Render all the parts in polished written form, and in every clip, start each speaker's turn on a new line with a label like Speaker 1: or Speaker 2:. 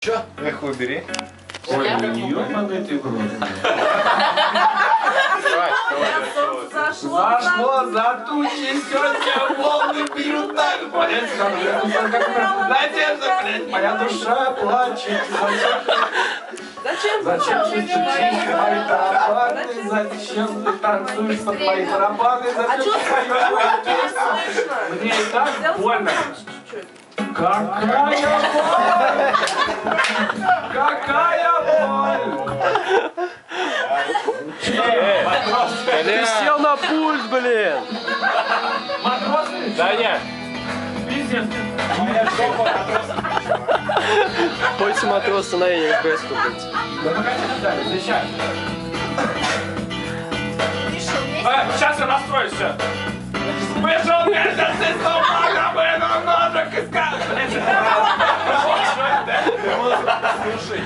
Speaker 1: Чё? Эхо убери.
Speaker 2: Ой, ёбаный ты в рот. Зашло за тучи, сегодня волны бьют так. Надежда, блядь, моя душа плачет. Зачем ты стучишь мои барабаны? Зачем ты танцуешь под мои барабаны? Зачем ты поешь песню? Мне и так больно. Какая боль! Какая боль!
Speaker 3: Ты сел на пульт, блин!
Speaker 2: Матросный?
Speaker 3: Да нет.
Speaker 2: Пиздец.
Speaker 3: Пойте матроса на Эне квесту, блядь.
Speaker 2: Да погоди, Наталья, сейчас. Сейчас я настроюсь, все. Вышел месяц из тумана, вынул ножик из Слушай.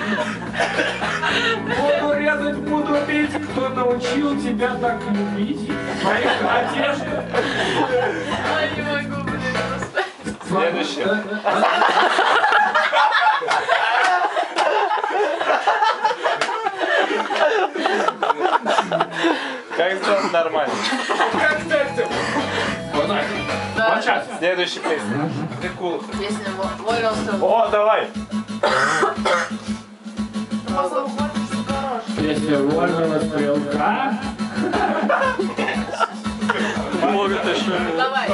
Speaker 2: Буду резать, буду бить. Кто научил тебя так любить? Моих одежды.
Speaker 4: Ой, не могу, блин, просто.
Speaker 3: Следующее. Как сделать нормально?
Speaker 2: Как ты? Вот так. Вот сейчас.
Speaker 3: Следующая песня. Прикол.
Speaker 4: Песня «Волился».
Speaker 3: О, давай.
Speaker 2: Песня «Вольного стрелка».
Speaker 3: Могут еще.
Speaker 4: Давай.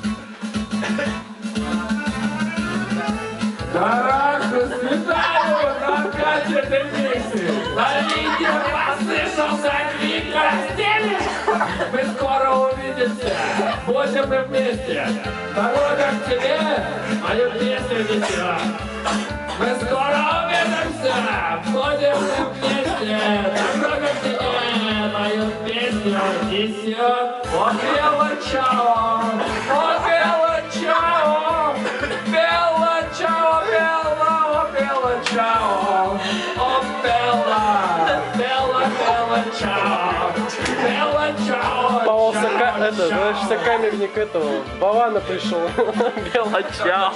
Speaker 2: Дорогу светаю на кафедре миссии. На линии послышался крик постели. Мы скоро увидимся, будем мы вместе. Дорога к тебе, мою песню несет. Мы скоро увидимся, будем мы вместе. Дорога к тебе, мою песню несет. О, бело чао, о, бело чао, бело чао, бело, о, бело чао, о, бело, бело, бело чао, бело чао.
Speaker 3: Это, знаешь, сокамерник этого, Бавана пришел. Белоча.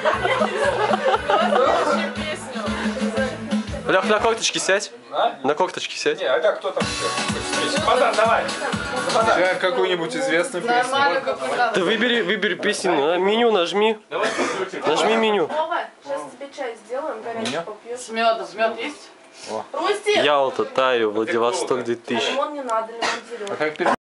Speaker 4: Следующую песню.
Speaker 3: Лех, на кокточки сядь. На кокточки сядь.
Speaker 1: Не, а как кто там еще?
Speaker 2: Базар, давай.
Speaker 1: Сейчас какую-нибудь известную песню.
Speaker 4: Нормально, как надо.
Speaker 3: Ты выбери песню, меню нажми. Нажми меню.
Speaker 4: Вова, сейчас тебе чай сделаем, горячий попьешь.
Speaker 5: С медом. Мед есть?
Speaker 4: Русти!
Speaker 3: Ялта, Таю, Владивосток 2000.
Speaker 4: Лимон не надо, лимон зеленый.
Speaker 1: А как